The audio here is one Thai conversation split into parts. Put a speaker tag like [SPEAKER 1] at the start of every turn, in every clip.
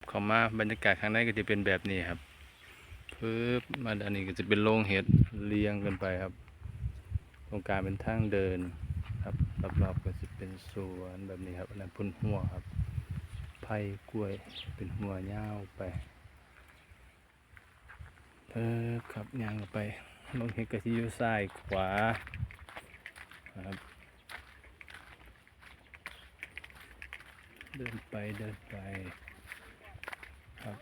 [SPEAKER 1] เข้ามาบรรยากาศข้างในก็จะเป็นแบบนี้ครับปึ๊บมาอันนี้ก็จะเป็นโรงเห็ดเรียงกันไปครับตรงกลางเป็นทางเดินครับรอบๆก็จะเป็นสวนแบบนี้ครับอันนั้นพุ่นหัวครับไผ่กล้วยเป็นหัวยาวไปครับย่างออกไปโรงเห็ดก็จะอยู่ซ้ายขวาครับเดินไปครับ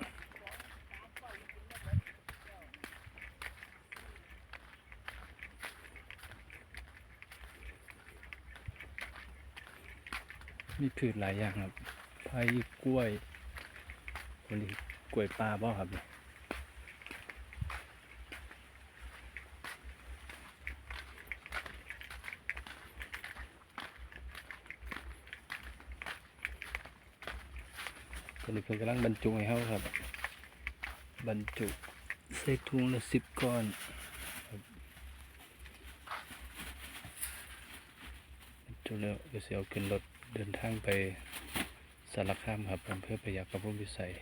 [SPEAKER 1] มีพืชหลายอย่างครับไผ่กล้วยคนนี้กล้วยปลาบ่ครับตอนนี้เพิ่นกำลังบรรจุให้เขาครับบรรจุใส่ถุงละ10 ก้อนครับบรรจุแล้วก็จะเอาขึ้นรถเดินทางไปสารคามครับอำเภอพยัคฆภูมิพิสัย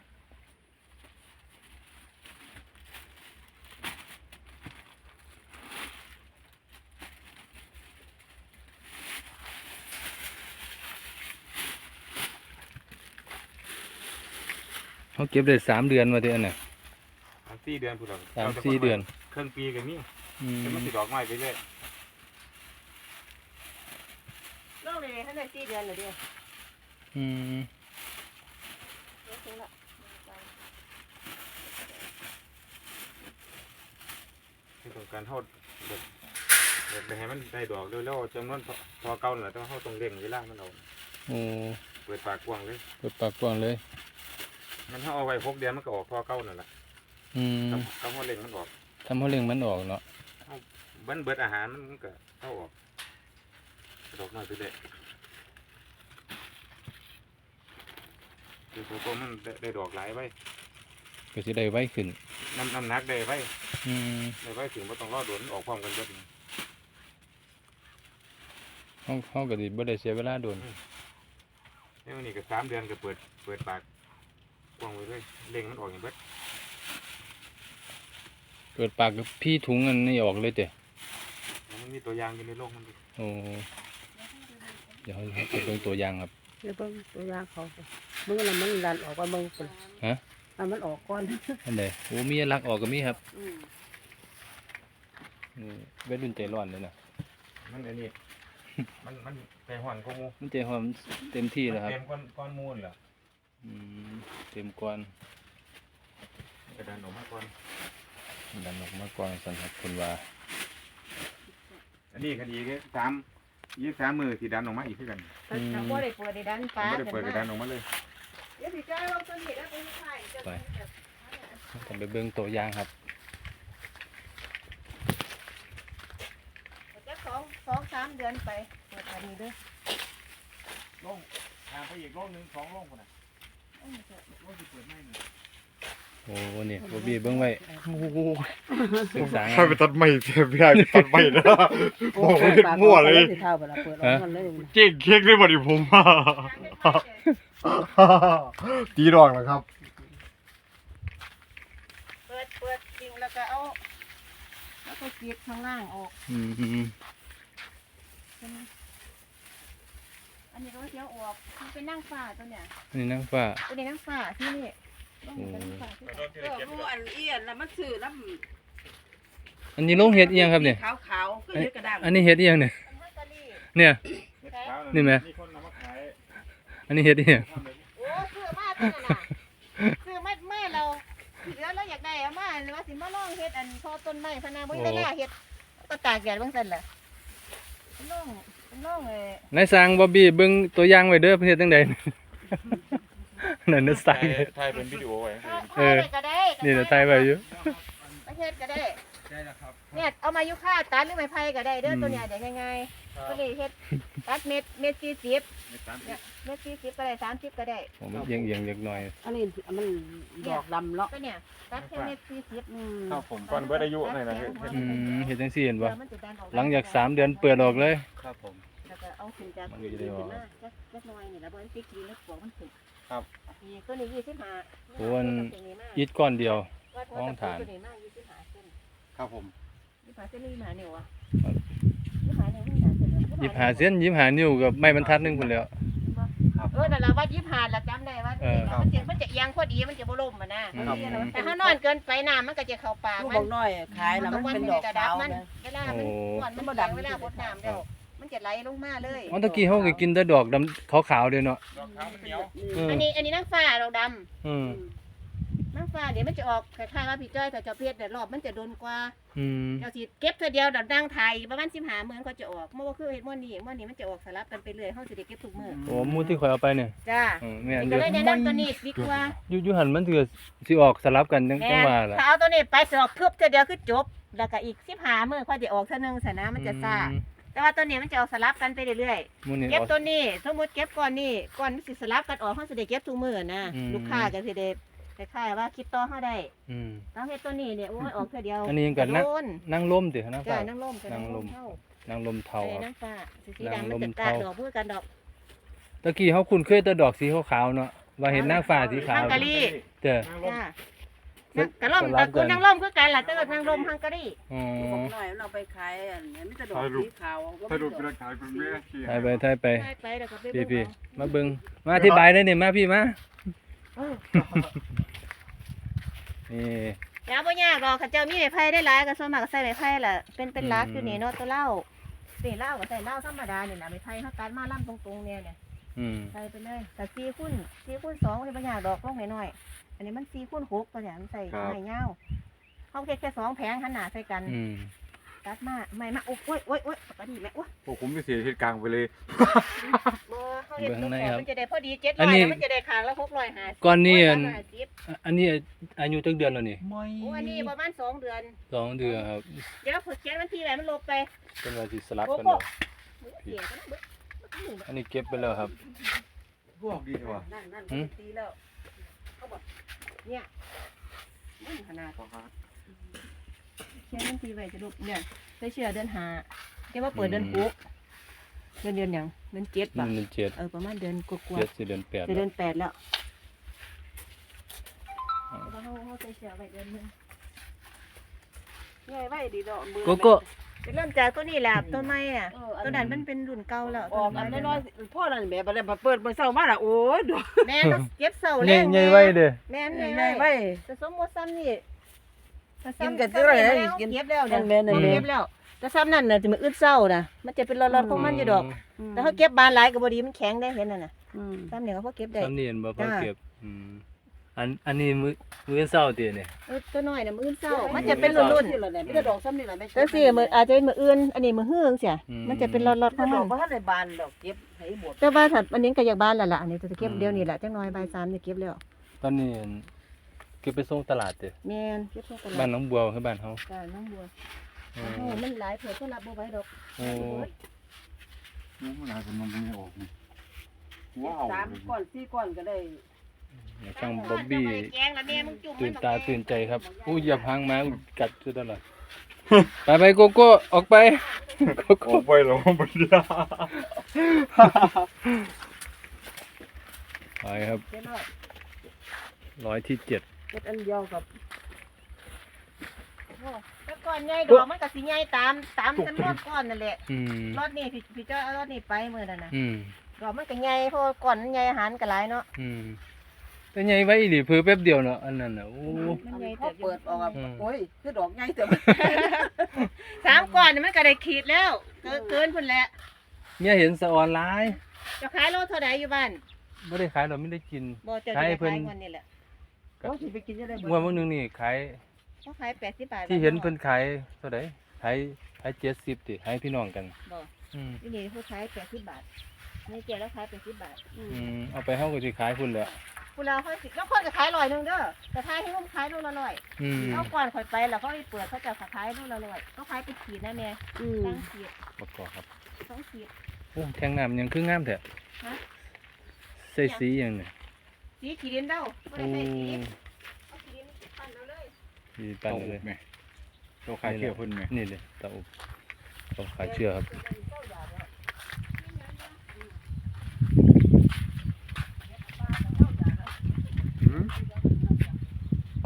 [SPEAKER 1] เขาเก็บได้3 เดือนมาเดือนน่ะ
[SPEAKER 2] 3-4 เดือนพูดเรา
[SPEAKER 1] 3-4 เดือน
[SPEAKER 2] ครึ่งปีก็มีแต่มันสิดอกไม้ไปเรื่อย
[SPEAKER 3] โลกเลยท่านได้4 เดือนเลยเดียว
[SPEAKER 1] อืม
[SPEAKER 3] ถึงละ
[SPEAKER 2] ที่ต้องการเฮาไปให้มันได้ดอกแล้วจำนวนพอเก่านั่นแหละต้องเฮาต้องเร่งเวลามันเอา
[SPEAKER 1] โอ้
[SPEAKER 2] เปิดปากกว้างเลย
[SPEAKER 1] เปิดปากกว้างเลย
[SPEAKER 2] มันเฮาเอาไว้6 เดือนมันก็ออกพอเก่านั่นแหละ
[SPEAKER 1] อืม
[SPEAKER 2] ต้องเฮาเร่งมันออก
[SPEAKER 1] ทำให้เรื่องมันออกเนาะ
[SPEAKER 2] มันเบิดอาหารมันก็เข้าออกดอกไม้ไปเรื่อยคือตัวมันได้ดอกหลายไว้
[SPEAKER 1] ก็สิได้ไวขึ้น
[SPEAKER 2] น้ำหนักได้ไว้
[SPEAKER 1] อืม
[SPEAKER 2] ได้ไว้ถึงบ่ต้องรอโดนออกพร้อมกันเบิด
[SPEAKER 1] เฮาก็สิบ่ได้เสียเวลาโดน
[SPEAKER 2] นี่มันนี่ก็3 เดือนก็เปิดปากกว้างไว้เลยเร่งมันออกอย่างเบิด
[SPEAKER 1] เปิดปากกับพี่ถุงอันนี้ออกเลยเด้อ
[SPEAKER 2] มันมีตัวอย่างอยู่ในโลกมันดิ
[SPEAKER 1] โอ้เดี๋ยวให้ไปเบิ่งตัวอย่างครับ
[SPEAKER 3] เดี๋ยวเบิ่งตัวอย่างเขาเบิ่งแล้วมันดันออกก่อนเบิ่งพุ่น
[SPEAKER 1] ฮะ
[SPEAKER 3] มันออกก่อน
[SPEAKER 1] อันใดโอ้มีลักออกก็มีครับนี่เวัยรุ่นใจร้อนเลยนะ
[SPEAKER 2] มันอันนี้ มันไปห่อนกว่าหมู่
[SPEAKER 1] มันใจหอมเต็มที่แล้วครับ
[SPEAKER 2] เต็มก้อนมูลเหรอ
[SPEAKER 1] อืมเต็มก้อน
[SPEAKER 2] กระดานออกมาก่อน
[SPEAKER 1] ดันออกมาก่อนสันครับคุณว่า
[SPEAKER 2] อันนี้คดีก็3 มือที่ดันออกมาอีกคือกัน
[SPEAKER 3] ถ้าบ่ได้เปิดได้ดันฟ้า
[SPEAKER 2] ไม่ได้เปิดกระดานออกมาเลย
[SPEAKER 3] เดี๋ยวสิจ่ายว่าตัวนี้แล้วไปขายจะ
[SPEAKER 1] ต้องไปเบิ่งตัวอย่างครับ
[SPEAKER 3] จะ2-3 เดือนไปเปิดอันนี้เด้อ
[SPEAKER 2] ลงทางไปอีกโลกนึง2 โลกคนน่ะโลกที่เปิดไม่นี่
[SPEAKER 1] โอ้เนี่ยบ่บีเบิ่งไว้ศึกษา
[SPEAKER 2] ถ้าไปตัดไม้เสียพี่ได้ตัดไม้นะโอ้ยมั่วเลย
[SPEAKER 3] เท่าบ่ล่ะเปิดออกมันเลย
[SPEAKER 2] เจ๊งเค้กเลยบ่ดิผมตีดอกนะครับ
[SPEAKER 3] เปิดจริงแล้วก็เอาแล้วก็กรีดข้างล่างออก
[SPEAKER 1] อืม
[SPEAKER 3] อันนี้ก็เสียวออกมันเป็นนั่งฟ้าตัวเนี้ย
[SPEAKER 1] อันนี้นางฟ้า
[SPEAKER 3] ตัวนี้นั่งฟ้าที่นี่ต้องเป็นนั่งฟ้าที่นี่
[SPEAKER 4] ผู้อันเอียนแล้วมันซื้อแล้ว
[SPEAKER 1] อันนี้โรงเห็ดอีหยังครับเนี่ย
[SPEAKER 4] ขาวๆก็เฮ็ดกระด้าง
[SPEAKER 1] อันนี้เห็ดอีหยังเนี่ย
[SPEAKER 3] มันฮัตตาลี
[SPEAKER 1] เนี่ย นี่ไหม
[SPEAKER 2] มีคนนำมาขาย
[SPEAKER 1] อันนี้เห็ดอีหยัง
[SPEAKER 3] โอ้ซื้อมาตัวนั้นน่ะซื้อมาเราเหลือเราอยากได้เอามาหรือว่าสิมาลองเฮ็ดอันพอต้นไม้พะนาบ่ได้ล่าเฮ็ดก็ตากแดดบางซั่นแหละลอง
[SPEAKER 1] นายสร้างบ่บี้เบิ่งตัวอย่างไว้เด้อเพิ่นเฮ็ดจังได๋ นั่นน่ะสร้าง
[SPEAKER 2] ถ่ายเป็นวิดีโอไว้
[SPEAKER 3] ก็ได้
[SPEAKER 1] นี่เดี๋ยวถ่ายไว้อยู่
[SPEAKER 3] ประเทศก็ได้
[SPEAKER 2] ใช่แล้วครับ
[SPEAKER 3] เนี่ยเอามายุค่าตัดหรือไม้ไผ่ก็ได้เด้อตัวเนี้ยได้ง่ายๆก็เลยเฮ็ดตัดเม็ด40เนี่ยเม็ด40ก็ได้30ก็ได้
[SPEAKER 1] ผมเอียงๆเล็กน้อย
[SPEAKER 4] อันนี้มันดอกดำเนาะ
[SPEAKER 3] ก็เนี่ยตัดแค่เม็ด40
[SPEAKER 2] ครับผมก่อนเบิดอายุหน่อยนะเฮ็ด
[SPEAKER 1] อืมเฮ็ดจังซี่เห็นบ่
[SPEAKER 3] เดี๋ยวมันจะดันออก
[SPEAKER 1] หลังจาก3 เดือนเปิดออกเลย
[SPEAKER 2] ครับผม
[SPEAKER 3] แล้วก็เอาขึ้นจาก
[SPEAKER 1] มันก็จะได้ออก
[SPEAKER 3] จักหน่อยนี่ล่ะบ่มันติดดินแล้วปลวกมันขึ้น
[SPEAKER 2] คครับ
[SPEAKER 3] นี่ตัวนี้25
[SPEAKER 1] โอ้อัน อิฐก้อนเดียว ห้องฐาน
[SPEAKER 3] ตัวนี้มา25เส้น
[SPEAKER 2] ครับผม
[SPEAKER 3] 25เส้นนี่25นิ้วอ่ะ
[SPEAKER 1] ครับ
[SPEAKER 3] 25นิ้ว25เส้น
[SPEAKER 1] 25เส้น25นิ้วกับไม้บรรทัดหนึงพุ่นแหล้ว
[SPEAKER 3] นั่นล่ะว่า25ล่ะจำได้ว่า
[SPEAKER 1] เออ
[SPEAKER 3] มันจะเอียงพอดีมันจะบ่ล่มอ่ะนะ
[SPEAKER 1] ครับ
[SPEAKER 3] แต่ถ้านอนเกินไปน้ำมันก็จะเข้าปาก
[SPEAKER 4] ลูก
[SPEAKER 3] มั
[SPEAKER 4] บอน กน้อยขายแล้วมันเป็นดอกขาว
[SPEAKER 3] มัน
[SPEAKER 4] นะ
[SPEAKER 3] เวลามันก่อนมันบ่ดังเวลาบดน้ำแล้วมันจะไหลลงมาเลย
[SPEAKER 1] อ๋อตะกี้เฮาก็กินแต่ดอกดำขาวๆเด้เนาะ
[SPEAKER 2] ดอกขาวมันเหนียว
[SPEAKER 1] เออ
[SPEAKER 3] อันนี้นางฟ้าดอกด
[SPEAKER 1] อืม
[SPEAKER 3] ำนางฟ้าเดี๋ยวมันจะออกคล้ายๆว่าพี่จ้อยกับเจ้าเพชรแต่รอบมันจะโดนกว่า
[SPEAKER 1] อืม
[SPEAKER 3] เจ้าสิเก็บเท่าเดียวดับดังไทยประมาณ15มื้อเขาจะออกเมื่อว่าคือเฮ็ดมื้อนี้มันจะออกสลับกันไปเรื่อยเฮาสิได้เก็บทุกมื้อ
[SPEAKER 1] โอ้หมูที่ข่อยเอาไปเนี่ย
[SPEAKER 3] จ้า
[SPEAKER 1] แม่นอ
[SPEAKER 3] ก็
[SPEAKER 1] ยู่
[SPEAKER 3] เลยแนะนำตัวนี้ดีกว่า
[SPEAKER 1] อยู่หันมันถือสิออกสลับกันจัง
[SPEAKER 3] แม่
[SPEAKER 1] ว่าล่ะ
[SPEAKER 3] ถ้าเอาตัวนี้ไปสอบทึบเท่าเดียวคือจบแล้วก็อีก15มื้อค่อยจะออกเท่านึงซะนะมันจะซ่าแต่ว่าตัวนี้มันจะออกสลับกันไปเรื่อยๆ
[SPEAKER 1] หมูนี่
[SPEAKER 3] เก็บ
[SPEAKER 1] ออก
[SPEAKER 3] ตัวนี้สมมติเก็บก้อนนี้ก้อนมันสิสลับกันออกเขาสิได้เก็บทุกมื้อนะ
[SPEAKER 1] อืม
[SPEAKER 3] ลูกค้าก็สิได้คล้ายๆว่าคิดต่อเขาได้
[SPEAKER 1] อืม
[SPEAKER 3] แล้วเฮ็ดตัวนี้เนี่ยโอ้ยออกเท่าเดียว
[SPEAKER 1] อันนี้ยังกันนะ
[SPEAKER 3] โดน
[SPEAKER 1] นั่งลมตินะ
[SPEAKER 3] จ้า
[SPEAKER 1] ฟ้า
[SPEAKER 3] นั่งลมจ้ะ
[SPEAKER 1] นั่งลม
[SPEAKER 3] เท่า
[SPEAKER 1] นั่งลมเทา
[SPEAKER 3] ไอ้
[SPEAKER 1] ครับ
[SPEAKER 3] นั่งฟ้าสี
[SPEAKER 1] นั่ง
[SPEAKER 3] ดำมัน
[SPEAKER 1] ลม
[SPEAKER 3] จะกาด
[SPEAKER 1] เทา
[SPEAKER 3] ดอกพูดกันดอก
[SPEAKER 1] ตะกี้เฮาคุ้นเคยแต่ดอกสีขาวๆเนาะว่าเห็นนางฟ้าสีขาว
[SPEAKER 3] ฮังการี
[SPEAKER 1] เด้อ
[SPEAKER 3] จ้านั่งกระล่มตระกูลนั่งล่มคือกันล่ะแต่ว่านั่งลมฮังการี
[SPEAKER 1] อ๋อ
[SPEAKER 4] ลูกบอกน้อยเราไปขายอันนี้มันจะดอกสีขาว
[SPEAKER 2] สรุปเป็นขายเป็นแม่ที่
[SPEAKER 1] ถ่ายไปถ่ายไป
[SPEAKER 3] ไปแล้วก็ไป
[SPEAKER 1] พี่
[SPEAKER 3] เบิ่ง
[SPEAKER 1] ๆมาเบิ่งมาอธิบายได้นี่มาพี่มา
[SPEAKER 3] เอา
[SPEAKER 1] นี่
[SPEAKER 3] อย่าบ่ยากดอกข้าเจ้ามีไม้ไผ่ได้หลายก็ส่วนมากก็ใส่ไม้ไผ่ล่ะเป็นหลักอยู่นี่เนาะตัวเหล้านี่เหล้าก็ใส่เหล้าธรรมดานี่ล่ะไม้ไผ่เฮาตัดมาล่ำตรงๆเนี่ย
[SPEAKER 1] อืม
[SPEAKER 3] ใส่ไปเลยแต่4คูณ2มันเป็นอย่างดอกลงน้อยๆอันนี้มัน4คูณ6ตัวอย่างมันใส่ไม้ยาวเขาแค่2แผงหันหน้าใส่กัน
[SPEAKER 1] อืม
[SPEAKER 3] ตัดมาไม่มาโอ้ยโอ้ยโอ้ยปกติแม่โอ้ย
[SPEAKER 2] พวกผมไม่เสียเหตุกลางไปเลย
[SPEAKER 3] บ่เขาเห็นตรงขอบมันจะได้พอดี700
[SPEAKER 1] อันนี้
[SPEAKER 3] แล้วมันจะได้ขางละ650
[SPEAKER 1] ก่อนนี้อัน
[SPEAKER 3] 650
[SPEAKER 1] อันนี้อายุจักเดือนแล้วนี่
[SPEAKER 2] ไม่
[SPEAKER 3] โอ้อันนี้ประมาณ2เดือน
[SPEAKER 1] 2 เดือนครับ
[SPEAKER 3] เดี๋ยวเขียนวันที่ไว้มันลบไป
[SPEAKER 1] เป็นว่าสิสลับกันแล้ว
[SPEAKER 3] เสียกันนะเบิด
[SPEAKER 1] อันนี้เก็บไปแล้วครับ
[SPEAKER 2] พวกดีกว่า
[SPEAKER 4] นั่น
[SPEAKER 1] หืม
[SPEAKER 4] ตีแล้ว
[SPEAKER 3] เนี่ยมันขนาดเขียนวันที่ไว้จะลบเนี่ยใส่เชื่อเดือน5เดี๋ยวว่าเปิดเดือน6เดือนหยังเดือน7ป่ะ
[SPEAKER 1] เดือน7
[SPEAKER 3] ประมาณเดือนกว่า
[SPEAKER 1] เดือน4เดือน8
[SPEAKER 3] จะ
[SPEAKER 1] แล้
[SPEAKER 3] เดื
[SPEAKER 1] ว
[SPEAKER 3] อน8แล้วเขาใส่เสื้อไว้เดือนนึง
[SPEAKER 4] ง่ายไว้ดีดอกมือ
[SPEAKER 1] โกโก้
[SPEAKER 3] จะเริ่มจากตัวนี้แหละต้นไม้อ่ะตัวนั้นมันเป็นรุ่นเก่าแล้ว
[SPEAKER 4] ออกอันน้อยๆพ่อนั่นแม่บ่ได้มาเปิดมื้อเช้ามาล่ะโอ้ยดอก
[SPEAKER 3] แม่ก็เก็บเสา
[SPEAKER 1] ใหญ่ใหญ่ไว้เด้อ
[SPEAKER 3] แม่น
[SPEAKER 4] ง่า
[SPEAKER 3] ใหญ่
[SPEAKER 4] ย
[SPEAKER 3] ไว้
[SPEAKER 4] ไว้
[SPEAKER 3] แต่สมมติซ้ำนี่
[SPEAKER 4] กินกันเท่าไหร่นะกิน
[SPEAKER 3] เก็บแล้วเนี่ย
[SPEAKER 4] แม่นๆ
[SPEAKER 3] เก็บแล้วแต่ซ้ำนั่นน่ะจะมันอึดเศร้านะมันจะเป็นรอดๆของมันอยู่ดอก แต่เขาเก็บบานหลายก็บ่ดีมันแข็งได้เห็นน่ะนะ
[SPEAKER 4] อืม
[SPEAKER 3] ซ้ำเนี่ยเขาพอเก็บได้
[SPEAKER 1] สำเนียนบ่พอ
[SPEAKER 3] จ้า
[SPEAKER 1] เก็บอืมอันนี้มื้อเช้าติเนี่ย
[SPEAKER 3] ตัวน้อยน่ะมื้อเศร้ามันจะเป็นรุ่น
[SPEAKER 4] นี่แหละเนี่ยมีแต่ดอกซ้ำนี่แหละแม่
[SPEAKER 3] ๆแต่สิมื้ออาจจะเป็นมื้ออื่นอันนี้มื้อฮื้อจังซี่มันจะเป็นรอดๆข
[SPEAKER 4] ถ้า
[SPEAKER 3] อง
[SPEAKER 4] ด
[SPEAKER 3] มั
[SPEAKER 4] อก
[SPEAKER 3] น
[SPEAKER 4] บ่ทันได้บานดอกเก็บให้หมด
[SPEAKER 3] แต่ว่าถ้าอันนี้ก็อยากบานแล้วล่ะอันนี้จะเก็บเดี๋ยวนี้แหละจังน้อยบ่าย3จะเก็บแล้ว
[SPEAKER 1] ตอนนี้เก็บไปส่งตลาดติ
[SPEAKER 3] แม่นเก็บเข้าตลา
[SPEAKER 1] บ้าน
[SPEAKER 3] ด
[SPEAKER 1] หนองบัวคือบ้านเฮา
[SPEAKER 3] จ้าน้องบัว
[SPEAKER 1] โอ้
[SPEAKER 3] โอ้มันหลายเผื่อเขารับบ่ไหว้ดอก
[SPEAKER 1] โอ้
[SPEAKER 2] น้องมันอาจจะนมไม่ออกนี่ว้าว
[SPEAKER 4] 3ก้อน4ก้อนก็ได้
[SPEAKER 1] ช่างบ๊อบบี้
[SPEAKER 3] แกงละแม่มึงจุ่ม
[SPEAKER 1] ตื่นตาตื่นใจครับอู้เหยียบหางม้ากัดจุดตลอด ไปโกโก้ออกไปโก
[SPEAKER 2] อ
[SPEAKER 1] โก้
[SPEAKER 2] อกไปหรอมันยา
[SPEAKER 1] ไปครับ
[SPEAKER 3] เจ็ดร้อย
[SPEAKER 1] ร้อยที่ 7
[SPEAKER 4] เก็บอันเดียวกับ
[SPEAKER 3] โอ้แต่ก่อนใหญ่ดอกมันก็สิใหญ่ตามจำนวนก้อนนั่นแหละ
[SPEAKER 1] อืม
[SPEAKER 3] รถนี่พี่จ้อยเอารถนี่ไปมื้อนั้นน่ะ
[SPEAKER 1] อืม
[SPEAKER 3] ดอกมันก็ใหญ่เพราะว่าก้อนมันใหญ่อาหารก็หลายเนาะ
[SPEAKER 1] อืมแต่ใหญ่ไว้อีหลีเพิ่แป๊บเดียวเนาะอันนั้นน่ะโอ้
[SPEAKER 3] มันใหญ่
[SPEAKER 4] พอ
[SPEAKER 3] แต่
[SPEAKER 4] เปิดออกอะโอ้ยคือดอกใหญ่แต่
[SPEAKER 3] 3ก้อนนี่มันก็ได้ขีดแล้วเกินพุ่นแหละ
[SPEAKER 1] เนี่ยเห็นสะออนหลาย
[SPEAKER 3] จะขายโลเท่าใดอยู่บ้าน
[SPEAKER 1] บ่ได้ขายดอกไม่ได้กิน
[SPEAKER 3] บ่เจะ
[SPEAKER 1] ขาย
[SPEAKER 3] ได้
[SPEAKER 1] เพิ่น
[SPEAKER 3] ขายงวดนี่แหละ
[SPEAKER 4] เขาสิไปกินจะได้
[SPEAKER 1] งวดมื้อนึงนี่ขาย
[SPEAKER 3] เขาขาย80บาท
[SPEAKER 1] ที่เห็นเพิ่นขายเท่าใดขาย70ติให้พี่น้องกัน
[SPEAKER 3] บ่
[SPEAKER 1] อืม
[SPEAKER 3] ที่นี่เขาขาย80บาทนี่เจ๊แล้วขาย80บาท
[SPEAKER 1] เอาไปเฮาก็สิขายพุ่นแหล้ว
[SPEAKER 3] พูเราค่อยสิแล้วคนก็ขาย100นึงเด้อแต่ถ้าให้ผมขายโลละ100
[SPEAKER 1] อืม
[SPEAKER 3] เอาก่อนข่อยไปแล้วเขาไปเปิดเขาจะขายโลละ100เขาขายเป็นขีดนะแม่
[SPEAKER 4] อืม
[SPEAKER 3] ตั้งขีด
[SPEAKER 1] ประกอบครับ
[SPEAKER 3] 2ขีด
[SPEAKER 1] โอ้แทงน้ำยังคืองามแท้
[SPEAKER 3] ฮะ
[SPEAKER 1] ใส่สีหยังเนี่ย
[SPEAKER 3] สีขีดินเด้าบ่
[SPEAKER 1] โอ้
[SPEAKER 3] ได้ใส่สีเอาขีดินปั้นเอาเลย
[SPEAKER 1] สีปันเลย
[SPEAKER 2] แม่เราขายเที่ยวพุ่นแม่
[SPEAKER 1] นี่เลยเตาอบต้องขายเชื่อครับโอ้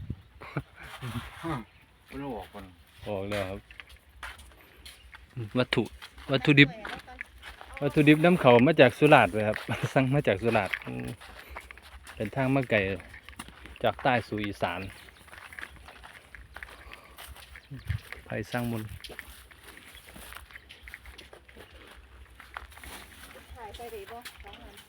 [SPEAKER 2] มันออกก่อน
[SPEAKER 1] ออกแล้วครับ วัตถุดิบน้ำเขามาจากสุราษฎร์เลยครับ สั่งมาจากสุราษฎร์เป็นทางมาไกลจากใต้สู่อีสานไผ่สร้างมุน
[SPEAKER 3] ถ่ายไปได้บ่สองอัน